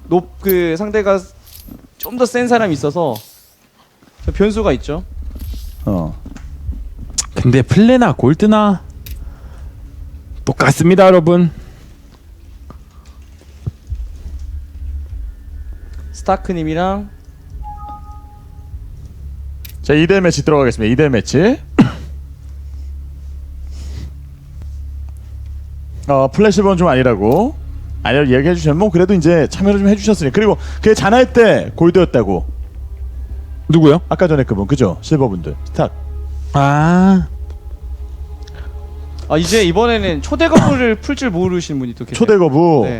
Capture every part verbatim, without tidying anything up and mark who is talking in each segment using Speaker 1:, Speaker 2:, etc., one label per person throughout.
Speaker 1: 높 그 상대가 좀 더 센 사람이 있어서 변수가 있죠.
Speaker 2: 어.
Speaker 3: 근데 플레나 골드나 똑같습니다, 여러분.
Speaker 1: 스타크님이랑
Speaker 2: 자, 이 대 매치 들어가겠습니다. 이 대 매치. 어, 플래시본 좀 아니라고. 아니요, 얘기해 주셨면 뭐 그래도 이제 참여를 좀 해주셨으니. 그리고 그게 잔할 때 골드였다고.
Speaker 3: 누구요?
Speaker 2: 아까 전에 그분 그죠? 실버분들. 스탁.
Speaker 3: 아,
Speaker 1: 아 이제 이번에는 초대 거부를 풀 줄 모르시는 분이 또 계세요.
Speaker 2: 초대 거부.
Speaker 1: 네.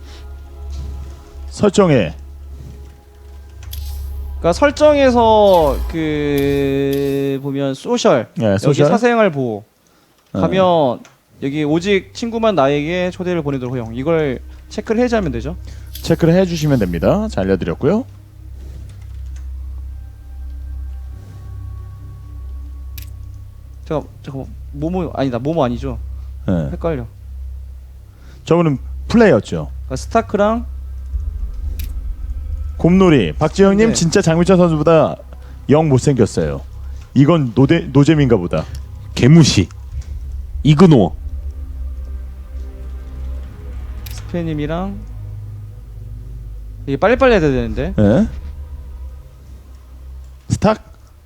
Speaker 2: 설정에.
Speaker 1: 그러니까 설정에서 그 보면 소셜,
Speaker 2: 네,
Speaker 1: 여기
Speaker 2: 소셜.
Speaker 1: 사생활 보호
Speaker 2: 어.
Speaker 1: 가면 여기 오직 친구만 나에게 초대를 보내도록 허용. 이걸 체크를 해제하면 되죠.
Speaker 2: 체크를 해주시면 됩니다. 잘 알려드렸고요.
Speaker 1: 잠깐 잠깐 모모 아니다 모모 아니죠?
Speaker 2: 네.
Speaker 1: 헷갈려.
Speaker 2: 저분은 플레이였죠.
Speaker 1: 그러니까 스타크랑
Speaker 2: 곰놀이. 박지영님
Speaker 1: 네.
Speaker 2: 진짜 장민철 선수보다 영 못생겼어요. 이건 노데, 노잼인가 보다.
Speaker 3: 개무시. 이그노.
Speaker 1: 스페님이랑 이게 빨리빨리 해야 되는데.
Speaker 2: 예? 스탁?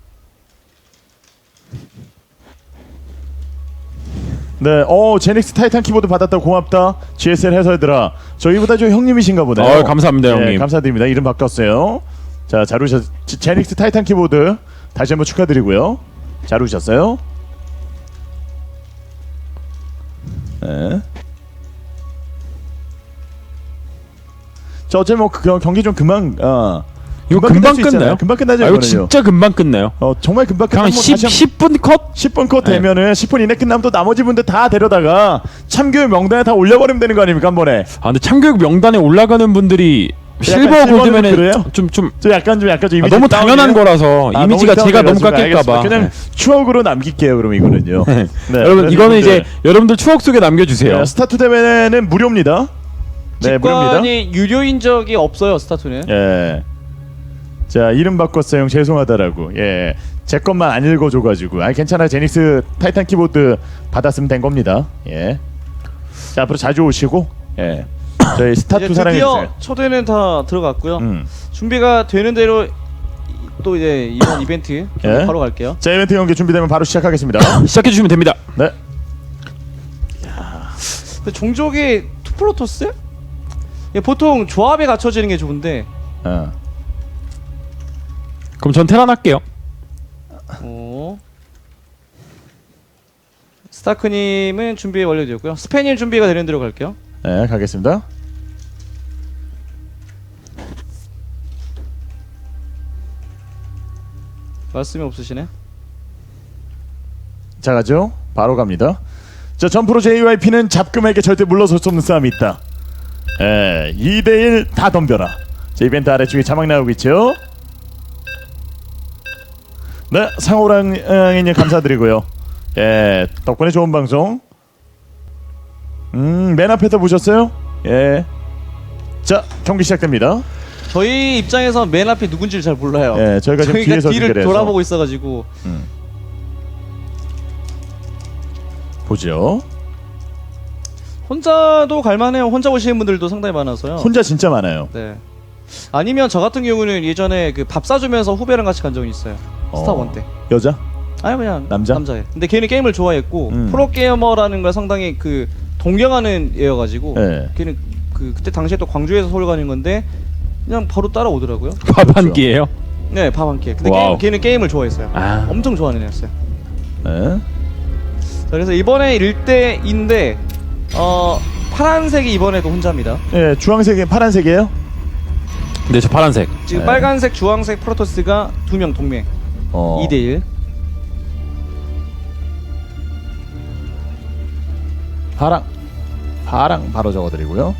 Speaker 2: 네, 어 제닉스 타이탄 키보드 받았다 고맙다. 지에스엘 해설들아. 저희보다 저 형님이신가 보네요.
Speaker 3: 어, 감사합니다,
Speaker 2: 네,
Speaker 3: 형님.
Speaker 2: 감사드립니다. 이름 바꿨어요. 자, 잘 오셨. 지- 제닉스 타이탄 키보드 다시 한번 축하드리고요. 잘 오셨어요. 네. 자, 어차피 뭐 그, 경기 좀 금방 어.
Speaker 3: 이거
Speaker 2: 끝날
Speaker 3: 금방
Speaker 2: 수 있잖아요.
Speaker 3: 끝나요?
Speaker 2: 금방 끝나죠.
Speaker 3: 아, 이거
Speaker 2: 이거는요.
Speaker 3: 진짜 금방 끝나요.
Speaker 2: 어 정말 금방
Speaker 3: 그냥
Speaker 2: 끝나면
Speaker 3: 십, 십 분 컷?
Speaker 2: 십 분 컷
Speaker 3: 네.
Speaker 2: 되면은 십 분 이내 끝나면 또 나머지 분들 다 데려다가 참교육 명단에 다 올려버리면 되는 거 아닙니까 한 번에.
Speaker 3: 아, 근데 참교육 명단에 올라가는 분들이 실버
Speaker 2: 실버는
Speaker 3: 골드면은
Speaker 2: 그래요?
Speaker 3: 좀 좀
Speaker 2: 저 약간 좀 약간 좀
Speaker 3: 아,
Speaker 2: 이미지
Speaker 3: 너무 당연한
Speaker 2: 다운이에요?
Speaker 3: 거라서
Speaker 2: 아,
Speaker 3: 이미지가
Speaker 2: 너무
Speaker 3: 제가 너무
Speaker 2: 다운이라서
Speaker 3: 깎일까봐.
Speaker 2: 알겠습니다. 그냥 추억으로 남길게요 그럼 이거는요. 네,
Speaker 3: 여러분
Speaker 2: 그래서
Speaker 3: 이거는
Speaker 2: 여러분들,
Speaker 3: 이제 여러분들 추억 속에 남겨주세요.
Speaker 2: 네, 스타투 대회는 무료입니다. 네, 무료입니다.
Speaker 1: 직관이 유료인 적이 없어요 스타투는.
Speaker 2: 예. 자, 이름 바꿨어요 형 죄송하다라고. 예. 제 것만 안 읽어줘가지고. 아 괜찮아 제닉스 타이탄 키보드 받았으면 된 겁니다. 예. 자 앞으로 자주 오시고. 예. 저희
Speaker 1: 이제
Speaker 2: 스타투
Speaker 1: 드디어
Speaker 2: 사랑해주세요.
Speaker 1: 초대는 다 들어갔고요.
Speaker 2: 음.
Speaker 1: 준비가 되는 대로 이- 또 이제 이번 이벤트
Speaker 2: 예.
Speaker 1: 바로 갈게요.
Speaker 2: 자 이벤트 경기 준비되면 바로 시작하겠습니다.
Speaker 3: 시작해 주시면 됩니다.
Speaker 2: 네.
Speaker 1: 근데 종족이 투프로토스? 예, 보통 조합에 갖춰지는 게 좋은데.
Speaker 2: 어.
Speaker 3: 그럼 전 테란 할게요.
Speaker 1: 어. 스타크님은 준비 완료되었고요. 스페님 준비가 되는 대로 갈게요.
Speaker 2: 네 가겠습니다.
Speaker 1: 말씀이 없으시네.
Speaker 2: 자 가죠. 바로 갑니다. 자 점프로 제이와이피는 잡금에게 절대 물러설 수 없는 싸움이 있다. 예, 이 대 일 다 덤벼라. 자 이벤트 아래쪽에 자막 나오고 있죠. 네 상호랑님 감사드리고요. 예 덕분에 좋은 방송. 음맨 앞에서 보셨어요? 예. 자 경기 시작됩니다.
Speaker 1: 저희 입장에서 맨 앞이 누군지를 잘 몰라요.
Speaker 2: 예 저희가 지금
Speaker 1: 저희가
Speaker 2: 뒤에서
Speaker 1: 뒤를
Speaker 2: 중계를 해서
Speaker 1: 돌아보고 있어가지고.
Speaker 2: 음. 보죠.
Speaker 1: 혼자도 갈만해요. 혼자 오시는 분들도 상당히 많아서요.
Speaker 2: 혼자 진짜 많아요.
Speaker 1: 네. 아니면 저 같은 경우는 예전에 그 밥 사주면서 후배랑 같이 간 적이 있어요. 스타원 때.
Speaker 2: 여자?
Speaker 1: 아니 그냥
Speaker 2: 남자?
Speaker 1: 남자애. 근데 걔는 게임을 좋아했고
Speaker 2: 음.
Speaker 1: 프로게이머라는 걸 상당히 그 동경하는 애여가지고
Speaker 2: 네.
Speaker 1: 걔는 그 그때 당시에 또 광주에서 서울 가는 건데 그냥 바로 따라오더라고요.
Speaker 3: 밥 한
Speaker 2: 그렇죠.
Speaker 3: 끼예요.
Speaker 1: 네, 밥 한 끼. 근데
Speaker 3: 와우.
Speaker 1: 게임, 걔는 게임을 좋아했어요.
Speaker 3: 아.
Speaker 1: 엄청 좋아하는 애였어요.
Speaker 2: 네.
Speaker 1: 자, 그래서 이번에 일 대인데 어 파란색이 이번에도 혼자입니다.
Speaker 2: 예, 주황색이 파란색이에요?
Speaker 3: 네, 저 파란색.
Speaker 1: 지금
Speaker 2: 네.
Speaker 1: 빨간색, 주황색 프로토스가 두 명 동맹.
Speaker 2: 어.
Speaker 1: 이 대 일.
Speaker 2: 파랑. 파랑 바로 적어드리고요.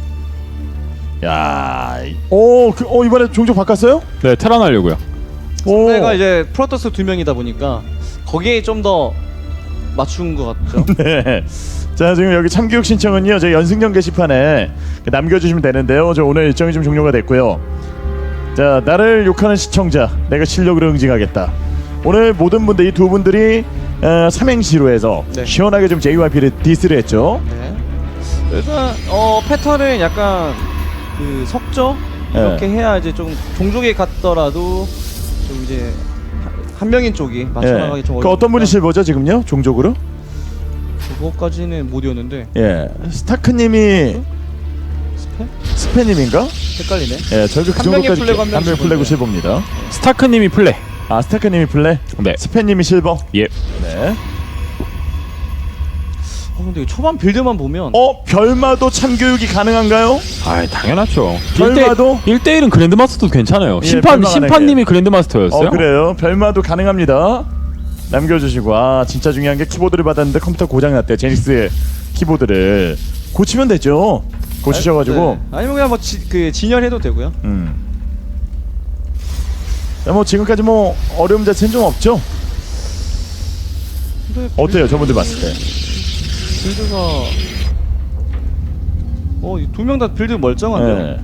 Speaker 2: 야, 이- 오, 그, 어 이번에 종족 바꿨어요?
Speaker 3: 네, 테란 하려고요.
Speaker 2: 오,
Speaker 1: 상대가 이제 프로토스 두 명이다 보니까 거기에 좀 더 맞춘 것 같죠?
Speaker 2: 네. 자 지금 여기 참교육 신청은요 저희 연승전 게시판에 남겨주시면 되는데요. 저 오늘 일정이 좀 종료가 됐고요. 자 나를 욕하는 시청자 내가 실력으로 응징하겠다. 오늘 모든 분들 이 두 분들이 어, 삼행시로 해서
Speaker 1: 네.
Speaker 2: 시원하게 좀 제이와이피를 디스를 했죠.
Speaker 1: 네. 일단 어 패턴은 약간 그 석조 이렇게
Speaker 2: 네.
Speaker 1: 해야 이제 좀 종족에 갔더라도 좀 이제 한- 한 명인 쪽이 맞춰나가기
Speaker 2: 예.
Speaker 1: 좀
Speaker 2: 그 어떤 분이
Speaker 1: 어려우니까
Speaker 2: 실버죠 지금요 종족으로?
Speaker 1: 그거까지는 못 이었는데
Speaker 2: 예. 스타크님이
Speaker 1: 스페?
Speaker 2: 스페님인가?
Speaker 1: 헷갈리네.
Speaker 2: 예. 저희가 그
Speaker 1: 한 명의
Speaker 2: 정도까지
Speaker 1: 플래그, 한 명이
Speaker 2: 한명 플래그
Speaker 1: 실버인데.
Speaker 2: 실버입니다.
Speaker 3: 스타크님이 플레.
Speaker 2: 아 스타크님이 플레,
Speaker 3: 네.
Speaker 2: 스페님이 실버.
Speaker 3: 예.
Speaker 2: 네.
Speaker 1: 어 근데 초반 빌드만 보면
Speaker 2: 어 별마도 참교육이 가능한가요?
Speaker 3: 아, 당연하죠.
Speaker 2: 별마도?
Speaker 3: 일 대 일은 그랜드마스터도 괜찮아요.
Speaker 2: 예,
Speaker 3: 심판
Speaker 2: 별마
Speaker 3: 심판님이 그랜드마스터였어요.
Speaker 2: 어 그래요. 별마도 가능합니다. 남겨주시고 아 진짜 중요한 게 키보드를 받았는데 컴퓨터 고장 났대요. 제닉스 키보드를 고치면 되죠. 고치셔가지고
Speaker 1: 네. 아니면 그냥 뭐 그 진열해도 되고요.
Speaker 2: 음. 야, 뭐 지금까지 뭐 어려움 자체는 좀 없죠.
Speaker 1: 근데
Speaker 2: 어때요 저분들 봤을 때?
Speaker 1: 빌드가 어두 명 다 빌드 멀쩡한데요.
Speaker 2: 네.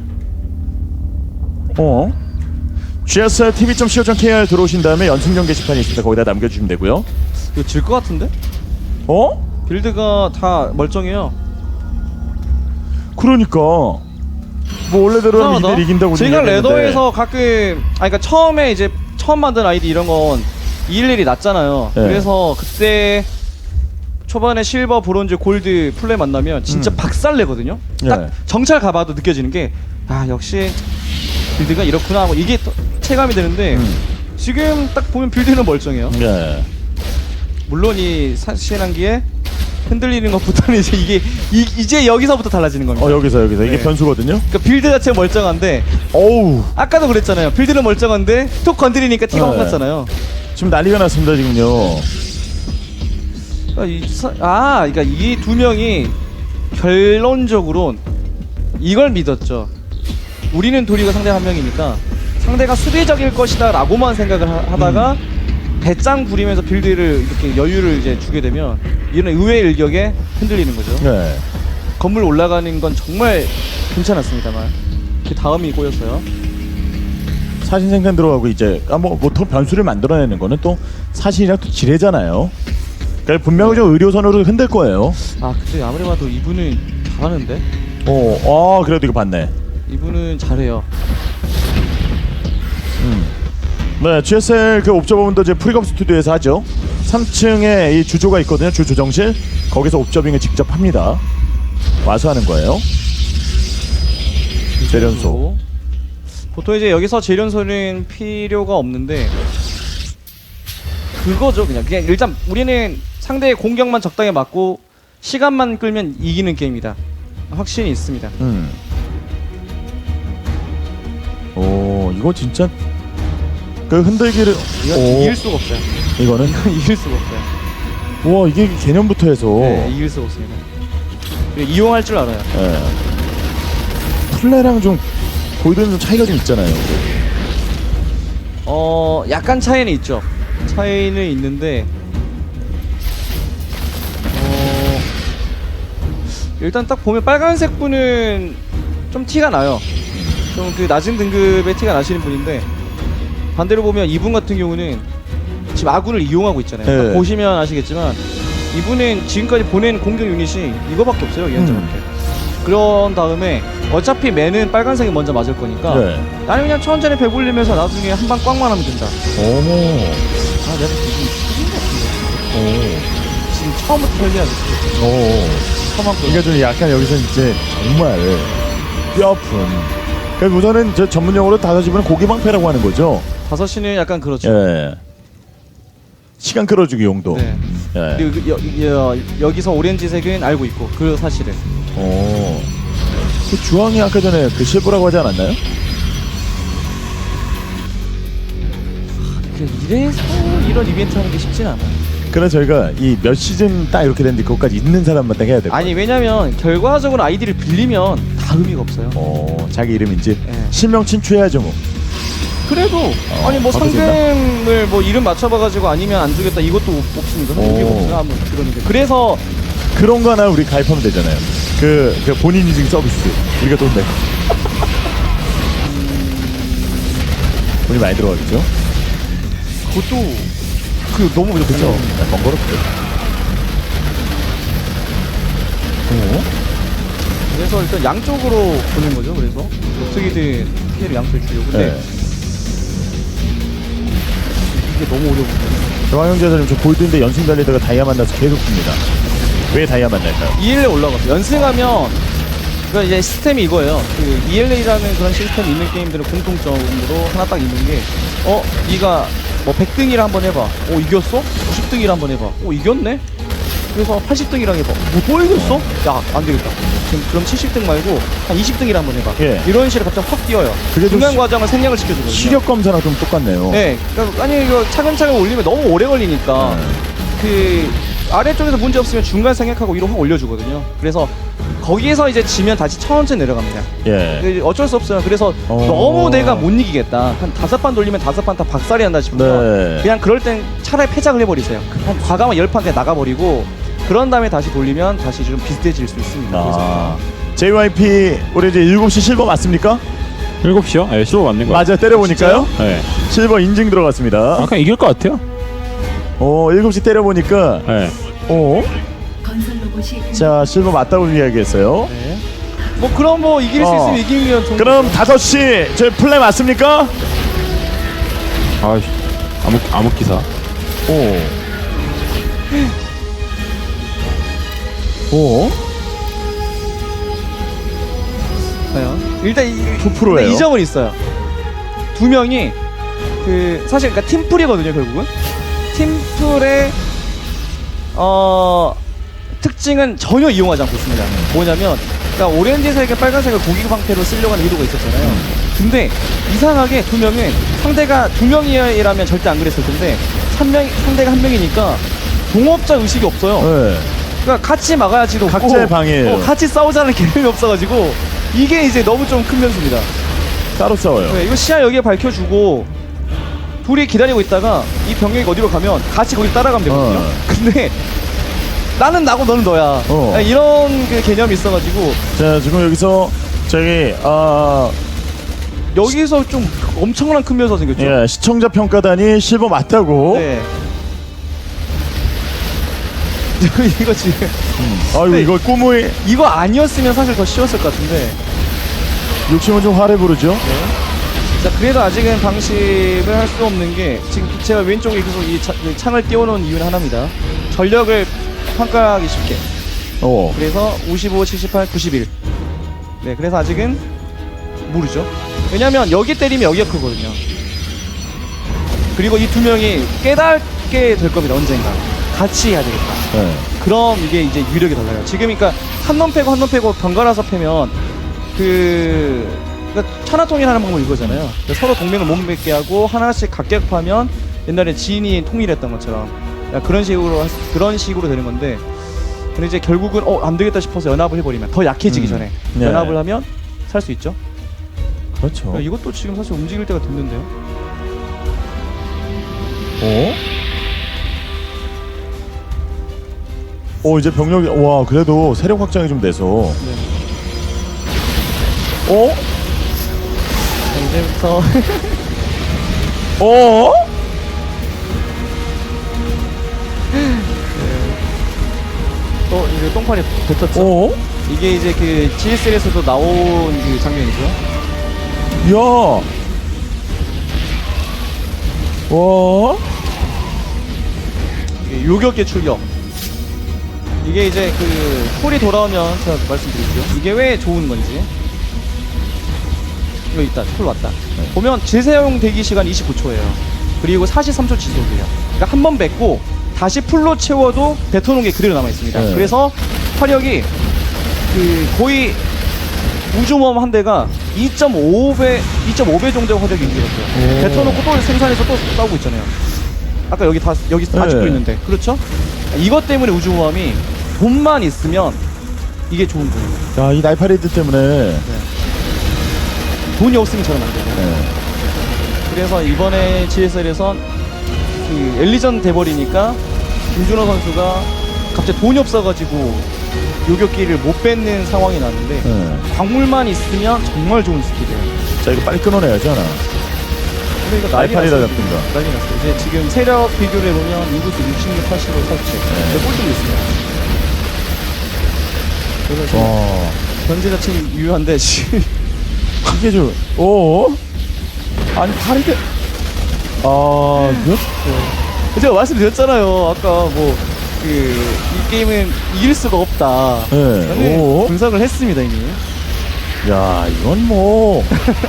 Speaker 2: 어? 지에스알 티비 점 씨오 점 케이알 들어오신 다음에 연승전 게시판이 있습니다. 거기다 남겨주시면 되고요.
Speaker 1: 이거 질 것 같은데?
Speaker 2: 어?
Speaker 1: 빌드가 다 멀쩡해요.
Speaker 2: 그러니까 뭐 원래대로 하면 이대 이긴다고
Speaker 1: 제가
Speaker 2: 얘기했는데.
Speaker 1: 레더에서 가끔 아 그러니까 처음에 이제 처음 만든 아이디 이런 건 이일일이 낮잖아요.
Speaker 2: 네.
Speaker 1: 그래서 그때 초반에 실버, 브론즈, 골드 플레이 만나면 진짜
Speaker 2: 음.
Speaker 1: 박살내거든요.
Speaker 2: 네.
Speaker 1: 딱 정찰 가봐도 느껴지는 게 아 역시 빌드가 이렇구나 하고 이게 또 체감이 되는데
Speaker 2: 음.
Speaker 1: 지금 딱 보면 빌드는 멀쩡해요.
Speaker 2: 네.
Speaker 1: 물론 이 사실한기에 흔들리는 것부터는 이제 이게 이, 이제 여기서부터 달라지는 겁니다.
Speaker 2: 어 여기서 여기서 이게
Speaker 1: 네.
Speaker 2: 변수거든요.
Speaker 1: 그러니까 빌드 자체가 멀쩡한데
Speaker 2: 어우
Speaker 1: 아까도 그랬잖아요. 빌드는 멀쩡한데 톡 건드리니까 티가 확
Speaker 2: 네.
Speaker 1: 났잖아요.
Speaker 2: 지금 난리가 났습니다 지금요.
Speaker 1: 그러니까 이 사, 아, 그러니까 이 두 명이 결론적으로 이걸 믿었죠. 우리는 도리가 상대 한 명이니까 상대가 수비적일 것이다라고만 생각을 하, 하다가
Speaker 2: 음.
Speaker 1: 배짱 부리면서 빌드를 이렇게 여유를 이제 주게 되면 이런 의외의 일격에 흔들리는 거죠.
Speaker 2: 네.
Speaker 1: 건물 올라가는 건 정말 괜찮았습니다만 그 다음이 꼬였어요.
Speaker 2: 사신 생산 들어가고 이제 아뭐뭐더 변수를 만들어내는 거는 또 사실이랑 또 지뢰잖아요. 그러니까 분명히 좀 의료선으로 흔들 거예요.
Speaker 1: 아 근데 아무리 봐도 이분은 잘하는데
Speaker 2: 어, 아 그래도 이거 봤네.
Speaker 1: 이분은 잘해요.
Speaker 2: 음. 네, 지에스엘 그 옵저버분도 이제 프리검 스튜디오에서 하죠. 삼 층에 이 주조가 있거든요. 주 조정실. 거기서 옵저빙을 직접 합니다. 와서 하는 거예요. 재련소.
Speaker 1: 보통 이제 여기서 재련소는 필요가 없는데 그거죠. 그냥 그냥 일단 우리는 상대의 공격만 적당히 맞고 시간만 끌면 이기는 게임이다. 확신이 있습니다.
Speaker 2: 음. 오, 이거 진짜 그 흔들기를
Speaker 1: 이건
Speaker 2: 오,
Speaker 1: 이길 수가 없어요.
Speaker 2: 이거는
Speaker 1: 이건 이길 수가 없어요.
Speaker 2: 와 이게 개념부터 해서
Speaker 1: 네, 이길 수가 없습니다. 그리고 이용할 줄 알아요.
Speaker 2: 예. 플레랑 좀 골드는 좀 차이가 좀 있잖아요.
Speaker 1: 어, 약간 차이는 있죠. 차이는 있는데 어, 일단 딱 보면 빨간색 분은 좀 티가 나요. 좀 그 낮은 등급의 티가 나시는 분인데 반대로 보면 이분 같은 경우는 지금 아군을 이용하고 있잖아요.
Speaker 2: 네.
Speaker 1: 딱 보시면 아시겠지만 이분은 지금까지 보낸 공격 유닛이 이거밖에 없어요. 이현정한테.
Speaker 2: 음.
Speaker 1: 그런 다음에 어차피 맨은 빨간색이 먼저 맞을 거니까
Speaker 2: 네.
Speaker 1: 나는 그냥 천천히 배불리면서 나중에 한 방 꽝만 하면 된다.
Speaker 2: 오.
Speaker 1: 아 내가 지금 죽인 것 같은데 지금 처음부터 설계하겠어.
Speaker 2: 오.
Speaker 1: 처음 한 거.
Speaker 2: 그러니까 좀 약간 여기서 이제 정말 뼈아픈. 그러니까 우선은 저 전문 용어로 다섯 집은 고기방패라고 하는 거죠.
Speaker 1: 다섯 시는 약간 그렇죠.
Speaker 2: 예. 시간 끌어주기 용도.
Speaker 1: 네.
Speaker 2: 예.
Speaker 1: 그리고 그 여, 여, 여기서 오렌지색은 알고 있고 그 사실은.
Speaker 2: 오. 그 주황이 아까 전에 그 실버라고 하지 않았나요?
Speaker 1: 그 이래서 이런 이벤트 하는 게 쉽진 않아요.
Speaker 2: 그래서 저희가 이 몇 시즌 딱 이렇게 됐는데 그것까지 있는 사람만 딱 해야 돼요.
Speaker 1: 아니 왜냐면 결과적으로 아이디를 빌리면 다 의미가 없어요.
Speaker 2: 어, 자기 이름인지
Speaker 1: 예.
Speaker 2: 실명 친추해야죠 뭐.
Speaker 1: 그래도 아니 뭐
Speaker 2: 어떻게
Speaker 1: 상금을 뭐 이름 맞춰봐가지고 아니면 안 주겠다 이것도 없습니다.
Speaker 2: 오.
Speaker 1: 이게 없어요. 아무 그러는데 그래서
Speaker 2: 그런 거 하나 우리 가입하면 되잖아요. 그, 그 본인 인증 서비스 우리가 돈 내고. 돈이 많이 들어가겠죠?
Speaker 1: 그것도 그 너무 그렇죠.
Speaker 2: 그렇죠. 번거롭죠. 오?
Speaker 1: 그래서 일단 양쪽으로 보는 거죠. 그래서 어떻게든 피해를 양쪽에 주려고. 근데
Speaker 2: 네.
Speaker 1: 이게 너무 어려운데.
Speaker 2: 정황영 제자님 저 골드인데 연승 달리다가 다이아 만나서 계속 듭니다. 왜 다이아 만날까요?
Speaker 1: 이엘에이 올라갔어. 연승하면 그러니까 이제 시스템이 이거예요. 그 이엘에이라는 그런 시스템이 있는 게임들은 공통점으로 하나 딱 있는 게, 어, 네가 뭐 백 등이라 한번 해봐. 어, 이겼어? 구십 등이라 한번 해봐. 어, 이겼네? 그래서 팔십 등이랑 해봐. 뭐 또 이겼어? 야, 안 되겠다. 지금 그럼 칠십 등 말고 한 이십 등이라 한번 해봐.
Speaker 2: 예.
Speaker 1: 이런 식으로 갑자기 확 뛰어요.
Speaker 2: 그게 좀
Speaker 1: 중간
Speaker 2: 시-
Speaker 1: 과정을 생략을 시켜주거든요.
Speaker 2: 시력 검사랑 좀 똑같네요.
Speaker 1: 네, 그러니까 아니 이거 차근차근 올리면 너무 오래 걸리니까
Speaker 2: 네.
Speaker 1: 그 아래쪽에서 문제 없으면 중간 생략하고 위로 확 올려주거든요. 그래서 거기에서 이제 지면 다시 천천히 내려갑니다.
Speaker 2: 예.
Speaker 1: 그 어쩔 수 없어요. 그래서
Speaker 2: 어.
Speaker 1: 너무 내가 못 이기겠다. 한 다섯 판 돌리면 다섯 판 다 박살이 난다 싶으면
Speaker 2: 네.
Speaker 1: 그냥 그럴 땐 차라리 패작을 해버리세요. 한 과감한 열 판 그냥 나가버리고 그런 다음에 다시 돌리면 다시 좀 비슷해질 수 있습니다.
Speaker 2: 아.
Speaker 1: 그래서
Speaker 2: 제이와이피 우리 이제 일곱 시 실버 맞습니까?
Speaker 3: 일곱 시요? 네, 실버 맞는 거예요.
Speaker 2: 맞아 때려보니까요.
Speaker 3: 네.
Speaker 2: 실버 인증 들어갔습니다.
Speaker 3: 아까 이길 것 같아요.
Speaker 2: 어 일곱 시 때려보니까
Speaker 3: 네.
Speaker 2: 어?
Speaker 4: 건설 로봇이
Speaker 2: 자 실버 맞다고 이야기했어요.
Speaker 1: 네. 뭐 그럼 뭐 이길 수
Speaker 2: 어.
Speaker 1: 있으면 이기면 좋은
Speaker 2: 그럼
Speaker 1: 거죠.
Speaker 2: 다섯 시 저희 플레이 맞습니까?
Speaker 3: 아, 암흑 암흑 기사.
Speaker 2: 오. 오.
Speaker 1: 과연? 일단 이,
Speaker 2: 구 퍼센트예요.
Speaker 1: 근데 이 점은 있어요. 두 명이 그 사실 그러니까 팀플이거든요 결국은. 팀플의 어 특징은 전혀 이용하지 않고 있습니다. 뭐냐면 그러니까 오렌지색에 빨간색을 고기 방패로 쓰려고 하는 의도가 있었잖아요. 근데 이상하게 두 명은 상대가 두 명이라면 절대 안 그랬을 텐데 한 명 상대가 한 명이니까 동업자 의식이 없어요.
Speaker 2: 네.
Speaker 1: 그러니까 같이 막아야지도 없고,
Speaker 2: 각자의 방해예요.
Speaker 1: 어, 같이 싸우자는 개념이 없어가지고 이게 이제 너무 좀 큰 변수입니다.
Speaker 2: 따로 싸워요.
Speaker 1: 네, 이거 시야 여기에 밝혀주고 둘이 기다리고 있다가 이 병력이 어디로 가면 같이 거기 따라가면 되거든요.
Speaker 2: 어.
Speaker 1: 근데 나는 나고 너는 너야.
Speaker 2: 어.
Speaker 1: 네, 이런 그 개념이 있어가지고
Speaker 2: 자 지금 여기서 저기 아
Speaker 1: 여기서 좀 엄청난 큰 변수가 생겼죠.
Speaker 2: 예, 시청자 평가단이 실버 맞다고.
Speaker 1: 네. 이거 지금
Speaker 2: 아이고
Speaker 1: 네.
Speaker 2: 이거 꿈의
Speaker 1: 이거 아니었으면 사실 더 쉬웠을 것 같은데.
Speaker 2: 욕심은 좀 화를 부르죠.
Speaker 1: 자, 그래도 아직은 방심을 할 수 없는 게 지금 제가 왼쪽에 계속 이, 차, 이 창을 띄워놓은 이유는 하나입니다. 전력을 평가하기 쉽게.
Speaker 2: 어.
Speaker 1: 그래서 오십오, 칠십팔, 구십일. 네, 그래서 아직은 모르죠. 왜냐면 여기 때리면 여기가 크거든요. 그리고 이 두 명이 깨닫게 될 겁니다. 언젠가 같이 해야 되겠다.
Speaker 2: 네.
Speaker 1: 그럼 이게 이제 유력이 달라요. 지금 그러니까 한 놈 패고 한 놈 패고 번갈아서 패면 그 그러니까 천하통일하는 방법이 이거잖아요. 그러니까 서로 동맹을 못 맺게 하고 하나씩 각격하면 옛날에 지인이 통일했던 것처럼 그러니까 그런 식으로 할 수- 그런 식으로 되는 건데, 근데 이제 결국은 어 안 되겠다 싶어서 연합을 해버리면 더 약해지기
Speaker 2: 음.
Speaker 1: 전에
Speaker 2: 네.
Speaker 1: 연합을 하면 살 수 있죠.
Speaker 2: 그렇죠.
Speaker 1: 그러니까 이것도 지금 사실 움직일 때가 됐는데요.
Speaker 2: 어? 어 이제 병력이 와 그래도 세력 확장이 좀 돼서
Speaker 1: 네.
Speaker 2: 어?
Speaker 1: 자, 이제부터
Speaker 2: 어?
Speaker 1: 또 이제 똥파리 뱉었죠.
Speaker 2: 어?
Speaker 1: 이게 이제 그 지에스엘에서도 나온 그 장면이죠.
Speaker 2: 야. 와.
Speaker 1: 이게 요격의 출격. 이게 이제 그 콜이 돌아오면 제가 말씀드릴게요. 이게 왜 좋은 건지. 이거 있다. 콜 왔다. 보면 재사용 대기 시간 이십구 초예요. 그리고 사십삼 초 지속이에요. 그러니까 한 번 뱉고 다시 풀로 채워도 뱉어놓은 게 그대로 남아 있습니다.
Speaker 2: 네.
Speaker 1: 그래서 화력이 그 거의 우주모험 한 대가 이 점 오 배, 이 점 오 배 정도의 화력이 인기였어요.
Speaker 2: 오.
Speaker 1: 뱉어놓고 또 생산해서 또 싸우고 있잖아요. 아까 여기 다 여기
Speaker 2: 네.
Speaker 1: 아직도 있는데, 그렇죠? 이것 때문에 우주모함이 돈만 있으면 이게 좋은 거예요.
Speaker 2: 야, 이 날파리들 때문에
Speaker 1: 돈이 없으면 저는 안 돼요.
Speaker 2: 네.
Speaker 1: 그래서 이번에 지에스엘에선 그 엘리전 돼버리니까 김준호 선수가 갑자기 돈이 없어가지고 요격기를 못 뺏는 상황이 났는데
Speaker 2: 네.
Speaker 1: 광물만 있으면 정말 좋은 스킬이에요.
Speaker 2: 자 이거 빨리 끊어내야죠 하나.
Speaker 1: 근데 이거 난리
Speaker 2: 날파리다
Speaker 1: 났어요.
Speaker 2: 잡힌다.
Speaker 1: 난리 났어요. 이제 지금 세력 비교를 해보면 인구수 육십육, 팔십으로 설치.
Speaker 2: 네.
Speaker 1: 네. 꼴등 있어요. 그래서 지금
Speaker 2: 와
Speaker 1: 견제 자체는 유효한데 지금
Speaker 2: 이게 좀 오. 아니 파리대. 아 이거?
Speaker 1: 제가 말씀드렸잖아요. 아까 뭐 그 이 게임은 이길 수가 없다.
Speaker 2: 네.
Speaker 1: 저는
Speaker 2: 오.
Speaker 1: 분석을 했습니다 이미.
Speaker 2: 야 이건 뭐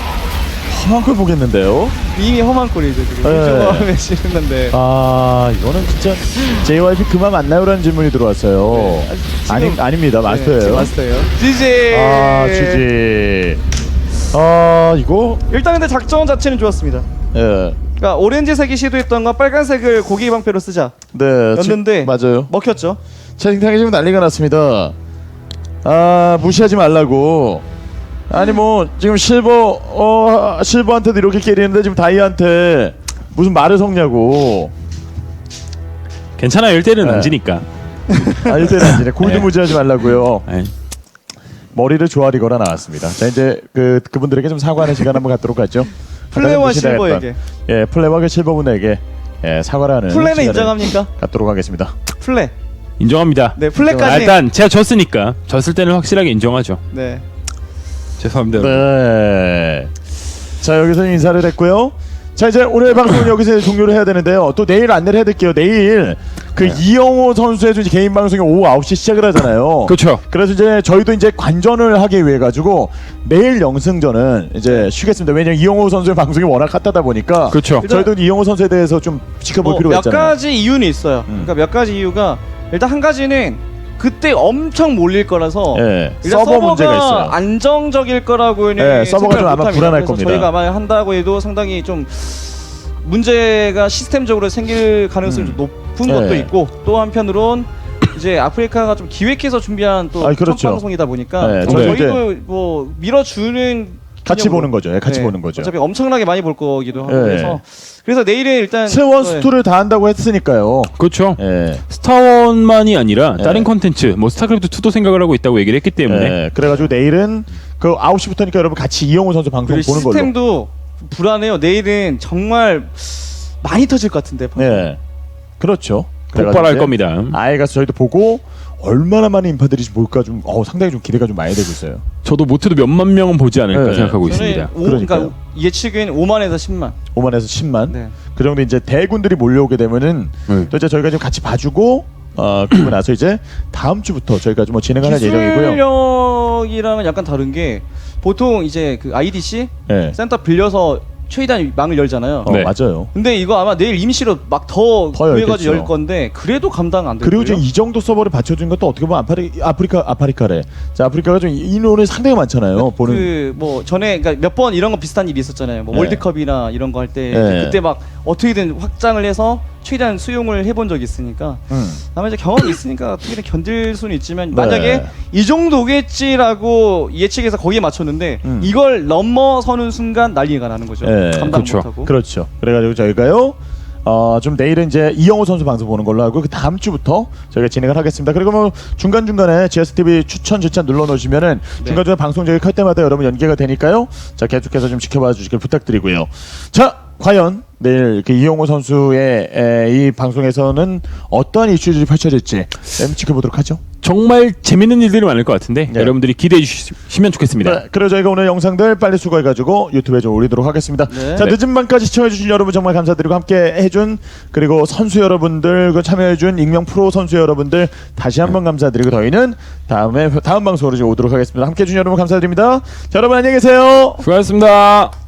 Speaker 2: 험한 걸 보겠는데요.
Speaker 1: 이미 험한 꼴이죠 지금.
Speaker 2: 네.
Speaker 1: 일조감에 지는 건데.
Speaker 2: 아 이거는 진짜 제이와이피 그만 만나요라는 질문이 들어왔어요.
Speaker 1: 네. 지금-
Speaker 2: 아니 아닙니다 마스터예요.
Speaker 1: 네, 마스터예요. 지지.
Speaker 2: 아 지지. 아 이거
Speaker 1: 일단 근데 작전 자체는 좋았습니다.
Speaker 2: 예.
Speaker 1: 그러니까 오렌지색이 시도했던 건 빨간색을 고기 방패로 쓰자.
Speaker 2: 네.
Speaker 1: 였는데
Speaker 2: 지- 맞아요.
Speaker 1: 먹혔죠.
Speaker 2: 채팅창에 지금 난리가 났습니다. 아 무시하지 말라고. 아니 뭐 지금 실버 어 실버한테도 이렇게 깨리는데 지금 다이한테 무슨 말을 섞냐고.
Speaker 3: 괜찮아요. 일 대일은
Speaker 2: 네.
Speaker 3: 안 지니까.
Speaker 2: 아 일대는 아니네. 골드 무지하지 말라고요.
Speaker 3: 아이,
Speaker 2: 머리를 조아리거나 나왔습니다. 자 이제 그 그분들에게 좀 사과하는 시간 한번 갖도록 하죠.
Speaker 1: 플레이와
Speaker 2: 아까 좀 무시당했던,
Speaker 1: 실버에게.
Speaker 2: 예 플레이와 실버분에게 예, 사과를 하는
Speaker 1: 플레는
Speaker 2: 시간을
Speaker 1: 인정합니까?
Speaker 2: 갖도록 하겠습니다.
Speaker 1: 플레.
Speaker 3: 인정합니다.
Speaker 1: 네,
Speaker 3: 아,
Speaker 1: 플레까지.
Speaker 3: 일단 제가 졌으니까 졌을 때는 확실하게 인정하죠.
Speaker 1: 네.
Speaker 3: 죄송합니다.
Speaker 2: 네. 자 여기서 인사를 했고요. 자 이제 오늘 방송은 여기서 종료를 해야 되는데요. 또 내일 안내를 해드릴게요. 내일 그
Speaker 3: 네.
Speaker 2: 이영호 선수의 이제 개인 방송이 오후 아홉 시 시작을 하잖아요.
Speaker 3: 그렇죠.
Speaker 2: 그래서 이제 저희도 이제 관전을 하기 위해 가지고 내일 영승전은 이제 쉬겠습니다. 왜냐면 이영호 선수의 방송이 워낙 핫하다 보니까
Speaker 3: 그렇죠.
Speaker 2: 저희도 이영호 선수에 대해서 좀 지켜볼
Speaker 1: 뭐
Speaker 2: 필요가
Speaker 1: 몇
Speaker 2: 있잖아요.
Speaker 1: 가지 이유는 있어요.
Speaker 2: 음.
Speaker 1: 그러니까 몇 가지 이유가 일단 한 가지는 그때 엄청 몰릴 거라서
Speaker 2: 예,
Speaker 1: 일단
Speaker 2: 서버
Speaker 1: 서버가
Speaker 2: 문제가 있어요.
Speaker 1: 안정적일 거라고는
Speaker 2: 예, 서버가 좀
Speaker 1: 생각을
Speaker 2: 아마
Speaker 1: 못합니다.
Speaker 2: 불안할
Speaker 1: 그래서
Speaker 2: 겁니다.
Speaker 1: 저희가 아마 한다고 해도 상당히 좀 문제가 시스템적으로 생길 가능성이
Speaker 2: 음.
Speaker 1: 좀 높은 것도
Speaker 2: 예.
Speaker 1: 있고 또 한편으론 이제 아프리카가 좀 기획해서 준비한 또
Speaker 2: 아이,
Speaker 1: 첫
Speaker 2: 그렇죠.
Speaker 1: 방송이다 보니까
Speaker 2: 예,
Speaker 3: 저희
Speaker 1: 저희도 뭐 밀어주는
Speaker 2: 같이
Speaker 1: 개념으로.
Speaker 2: 보는 거죠. 예, 같이
Speaker 1: 네,
Speaker 2: 보는 거죠.
Speaker 1: 어차피 엄청나게 많이 볼 거기도 하고
Speaker 2: 예.
Speaker 1: 그래서 그래서 내일은 일단
Speaker 2: 세원
Speaker 1: 네.
Speaker 2: 스토를 다 한다고 했으니까요.
Speaker 3: 그렇죠.
Speaker 2: 예.
Speaker 3: 스타원만이 아니라
Speaker 2: 네.
Speaker 3: 다른 컨텐츠, 뭐 스타크래프트 투도 생각을 하고 있다고 얘기를 했기 때문에
Speaker 2: 예, 그래가지고 내일은 그 아홉 시부터니까 여러분 같이 이영호 선수 방송
Speaker 1: 그리고
Speaker 2: 보는 걸로.
Speaker 1: 시스템도 불안해요. 내일은 정말 많이 터질 것 같은데.
Speaker 2: 예, 그렇죠.
Speaker 3: 폭발할
Speaker 2: 그래가지고 이제
Speaker 3: 겁니다.
Speaker 2: 아예 가서 저희도 보고 얼마나 많은 인파들이 볼까 좀 어, 상당히 좀 기대가 좀 많이 되고 있어요.
Speaker 3: 저도 못해도 몇만 명은 보지 않을까
Speaker 2: 네.
Speaker 3: 생각하고
Speaker 1: 저는
Speaker 3: 있습니다.
Speaker 1: 오, 그러니까
Speaker 2: 그러니까요.
Speaker 1: 예측은 오만에서 십만.
Speaker 2: 오만에서 십만.
Speaker 1: 네.
Speaker 2: 그 정도 이제 대군들이 몰려오게 되면은
Speaker 3: 네.
Speaker 2: 또 이제 저희가 좀 같이 봐주고 어 그리고 나서 이제 다음 주부터 저희가 좀 뭐 진행하는 예정이고요.
Speaker 1: 기술력이랑은 약간 다른 게 보통 이제 그 아이디씨
Speaker 2: 예.
Speaker 1: 센터 빌려서 최대한 망을 열잖아요.
Speaker 2: 어
Speaker 3: 네.
Speaker 2: 맞아요.
Speaker 1: 근데 이거 아마 내일 임시로 막 더
Speaker 2: 더
Speaker 1: 구해가지고
Speaker 2: 열겠죠.
Speaker 1: 열 건데 그래도 감당 안 될
Speaker 2: 그리고
Speaker 1: 거예요.
Speaker 2: 지금 이 정도 서버를 받쳐준 것도 어떻게 보면 아프리, 아프리카 아프리카래. 자 아프리카가 좀 인원이 상당히 많잖아요. 보는
Speaker 1: 그 뭐 전에 그러니까 몇 번 이런 거 비슷한 일이 있었잖아요. 뭐
Speaker 2: 네.
Speaker 1: 월드컵이나 이런 거 할 때
Speaker 2: 네.
Speaker 1: 그때 막 어떻게든 확장을 해서 최대한 수용을 해본 적이 있으니까
Speaker 2: 음.
Speaker 1: 아마 이제 경험이 있으니까 어떻게든 견딜 수는 있지만
Speaker 2: 네.
Speaker 1: 만약에 이 정도겠지라고 예측해서 거기에 맞췄는데
Speaker 2: 음.
Speaker 1: 이걸 넘어서는 순간 난리가 나는 거죠.
Speaker 2: 예,
Speaker 1: 감당
Speaker 3: 그렇죠.
Speaker 1: 못하고.
Speaker 2: 그렇죠. 그래가지고 저희가요. 어, 좀 내일은 이제 이영호 선수 방송 보는 걸로 하고 그 다음 주부터 저희가 진행을 하겠습니다. 그리고 뭐 중간 중간에 지에스티비 추천 절차 눌러 놓으시면은
Speaker 1: 네.
Speaker 2: 중간 중간 방송 저희 할 때마다 여러분 연계가 되니까요. 자 계속해서 좀 지켜봐 주시길 부탁드리고요. 자 과연 내일 그 이영호 선수의 에, 이 방송에서는 어떠한 이슈들이 펼쳐질지 좀 지켜보도록 하죠.
Speaker 3: 정말 재밌는 일들이 많을 것 같은데
Speaker 2: 네.
Speaker 3: 여러분들이 기대해 주시면 좋겠습니다.
Speaker 2: 네, 그리고 저희가 오늘 영상들 빨리 수거해가지고 유튜브에 좀 올리도록 하겠습니다.
Speaker 1: 네.
Speaker 2: 자 늦은 밤까지 시청해주신 여러분 정말 감사드리고 함께 해준 그리고 선수 여러분들 그 참여해준 익명 프로 선수 여러분들 다시 한번 감사드리고 저희는 다음에 다음 방송으로 이제 오도록 하겠습니다. 함께 해준 여러분 감사드립니다. 자, 여러분 안녕히 계세요.
Speaker 3: 수고하셨습니다.